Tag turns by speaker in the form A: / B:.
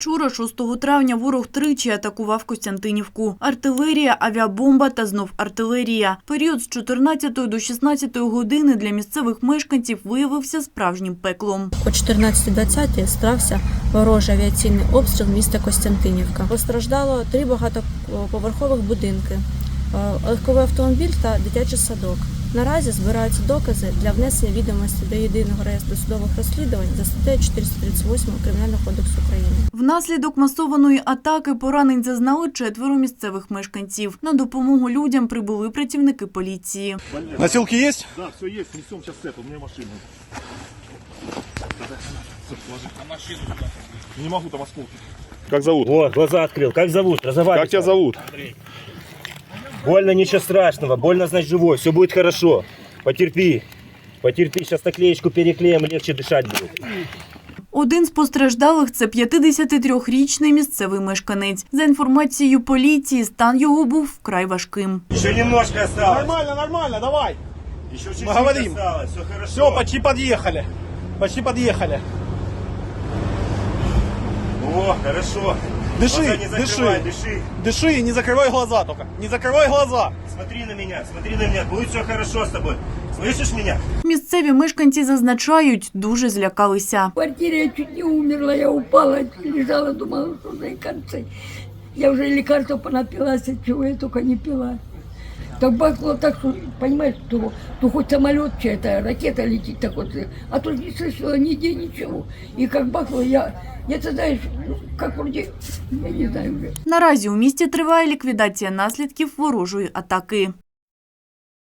A: Вчора, 6 травня, ворог тричі атакував Костянтинівку. Артилерія, авіабомба та знов артилерія. Період з 14 до 16 години для місцевих мешканців виявився справжнім пеклом.
B: О 14:20 стався ворожий авіаційний обстріл міста Костянтинівка. Постраждало 3 багатоповерхових будинки, легковий автомобіль та дитячий садок. Наразі збираються докази для внесення відомості до єдиного реєстру судових розслідувань за статтею 438 Кримінального кодексу України.
A: Внаслідок масованої атаки поранень зазнали 4 місцевих мешканців. На допомогу людям прибули працівники поліції.
C: Носилки есть?
D: Да, все есть, несем сейчас цепь, у меня машина. Не могу, там осколки.
C: Как зовут?
E: О, глаза открыл. Как зовут? Разговаривай.
C: Как тебя зовут?
E: Больно, ничего страшного. Больно, значит, живой. Все будет хорошо. Потерпи. Потерпи. Сейчас наклеечку переклеим, легче дышать будет.
A: Один з постраждалих – це 53-річний місцевий мешканець. За інформацією поліції, стан його був вкрай важким.
E: Еще немножко осталось.
C: Нормально, нормально, давай.
E: Еще чуть-чуть
C: Мы говорим.
E: осталось. Все хорошо.
C: Все, почти подъехали. Почти подъехали.
E: О, хорошо.
C: Дыши,
E: Глаза не закрывай,
C: дыши.
E: дыши.
C: Дыши и не закрывай глаза только. Не закрывай глаза.
E: Смотри на меня, смотри на меня. Будет все хорошо с тобой. Слышишь меня?
A: Місцеві мешканці зазначають, дуже злякалися.
F: В квартире я чуть не умерла, я упала, лежала, думала, что уже и концы. Я уже лекарства понапилась, чего я только не пила. Так бахнуло так, что, понимаешь, то хоть самолет чья-то, ракета летит, так вот, а тут не слышала нигде ничего. И как бахнуло, ты знаешь, как вроде, я не знаю уже.
A: Наразі у місті триває ліквідація наслідків ворожої атаки.